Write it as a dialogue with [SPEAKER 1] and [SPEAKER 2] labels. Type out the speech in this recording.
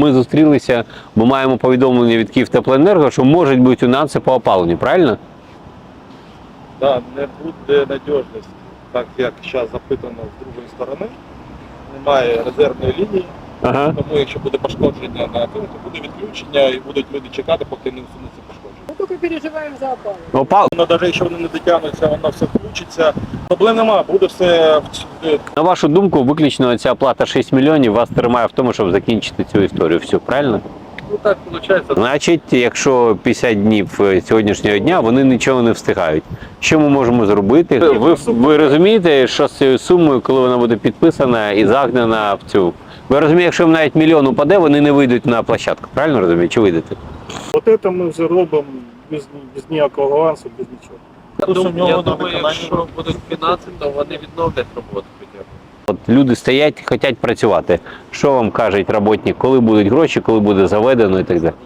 [SPEAKER 1] ми зустрілися, бо маємо повідомлення від Київтеплоенерго, що можуть бути нюанси по опаленню, правильно?
[SPEAKER 2] Да, не буде надіжності, так як зараз запитано з другої сторони. Немає резервної лінії,
[SPEAKER 1] Ага.
[SPEAKER 2] тому якщо буде пошкодження на тому, то буде відключення і будуть люди чекати, поки не усунеться пошкодження.
[SPEAKER 3] Мы только переживаем за опалу.
[SPEAKER 2] Воно, навіть якщо вони не дотягнуться, воно все включиться. Проблем немає, буде все
[SPEAKER 1] На вашу думку, виключно ця плата 6 мільйонів вас тримає в тому, щоб закінчити цю історію. Все, правильно?
[SPEAKER 2] ну, так виходить.
[SPEAKER 1] Значить, якщо 50 днів сьогоднішнього дня, вони нічого не встигають. Що ми можемо зробити? Ви розумієте, що з цією сумою, коли вона буде підписана і загнана в цю... Ви розумієте, якщо їм навіть мільйон упаде, вони не вийдуть на площадку. Правильно розумієте? Чи вийдете?
[SPEAKER 4] От це ми вже робимо без ніякого авансу, без нічого.
[SPEAKER 5] Я думаю, якщо будуть фінанси, то вони відновлять роботу хоча б.
[SPEAKER 1] От люди стоять, хочуть працювати. Що вам каже роботник, коли будуть гроші, коли буде заведено і так далі?